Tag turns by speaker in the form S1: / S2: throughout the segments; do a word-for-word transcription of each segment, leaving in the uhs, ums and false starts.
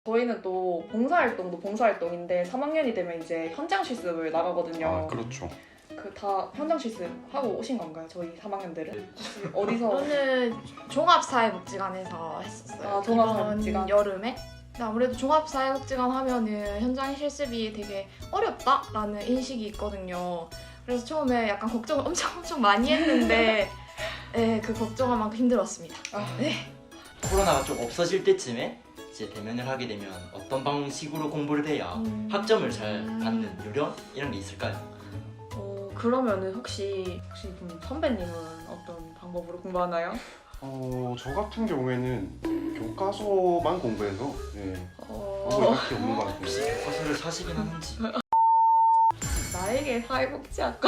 S1: 저희는 또 봉사활동도 봉사활동인데 삼 학년이 되면 이제 현장 실습을 나가거든요.
S2: 아 그렇죠.
S1: 그 다 현장 실습 하고 오신 건가요? 저희 삼 학년들은? 어디서?
S3: 저는 종합사회복지관에서 했었어요.
S1: 아, 종합사회복지관.
S3: 이번 여름에. 근데 아무래도 종합사회복지관 하면은 현장 실습이 되게 어렵다라는 인식이 있거든요. 그래서 처음에 약간 걱정을 엄청 엄청 많이 했는데 네, 그 걱정할 만큼 힘들었습니다.
S1: 아,
S3: 네.
S4: 코로나가 좀 없어질 때쯤에 이제 대면을 하게 되면 어떤 방식으로 공부를 해야
S3: 음.
S4: 학점을 잘 받는 요령 이런 게 있을까요?
S1: 어, 그러면은 혹시 혹시 그럼 선배님은 어떤 방법으로 공부하나요?
S2: 어, 저 같은 경우에는 교과서만 공부해서 네,
S1: 어,
S2: 방법이 딱히 없는 것 같아요.
S4: 혹시 교과서를 사시긴 하는지.
S1: 나에게 사회복지학과.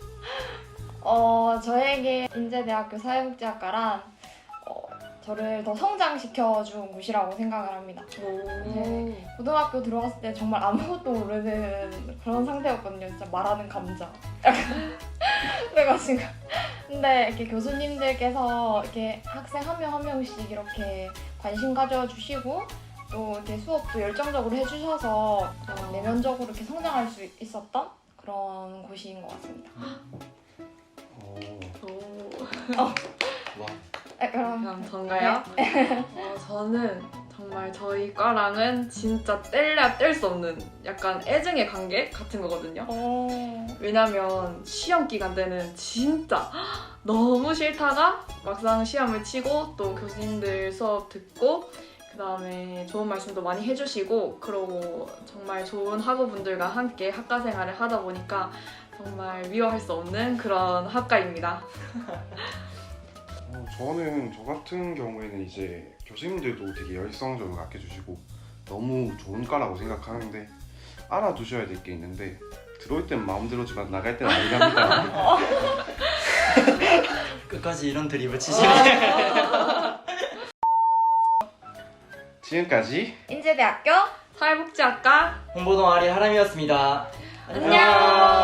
S3: 어, 저에게 인제대학교 사회복지학과란 어, 저를 더 성장시켜준 곳이라고 생각을 합니다. 네. 고등학교 들어갔을 때 정말 아무것도 모르는 그런 상태였거든요. 진짜 말하는 감자. 약간 그래가지고 근데 이렇게 교수님들께서 이렇게 학생 한 명 한 명씩 이렇게 관심 가져주시고 또 이렇게 수업도 열정적으로 해주셔서 내면적으로 이렇게 성장할 수 있었던 그런 곳인 것 같습니다.
S2: 어,
S1: 오.
S4: 와.
S3: 네, 그럼
S1: 그럼 전가요? 어, 저는 정말 저희 과랑은 진짜 뗄래야 뗄 수 없는 약간 애증의 관계 같은 거거든요.
S3: 어...
S1: 왜냐면 시험 기간 때는 진짜 너무 싫다가 막상 시험을 치고 또 교수님들 수업 듣고 그 다음에 좋은 말씀도 많이 해주시고 그러고 정말 좋은 학우분들과 함께 학과 생활을 하다 보니까 정말 미워할 수 없는 그런 학과입니다.
S2: 어, 저는 저 같은 경우에는 이제 교수님들도 되게 열성적으로 아껴주시고 너무 좋은 과라고 생각하는데 알아두셔야 될 게 있는데 들어올 땐 마음대로지만 나갈 땐 아니랍니다.
S4: 끝까지 이런 드립을 치시네.
S2: 지금까지
S3: 인제대학교
S1: 사회복지학과
S4: 홍보동아리 하람이었습니다.
S3: 안녕.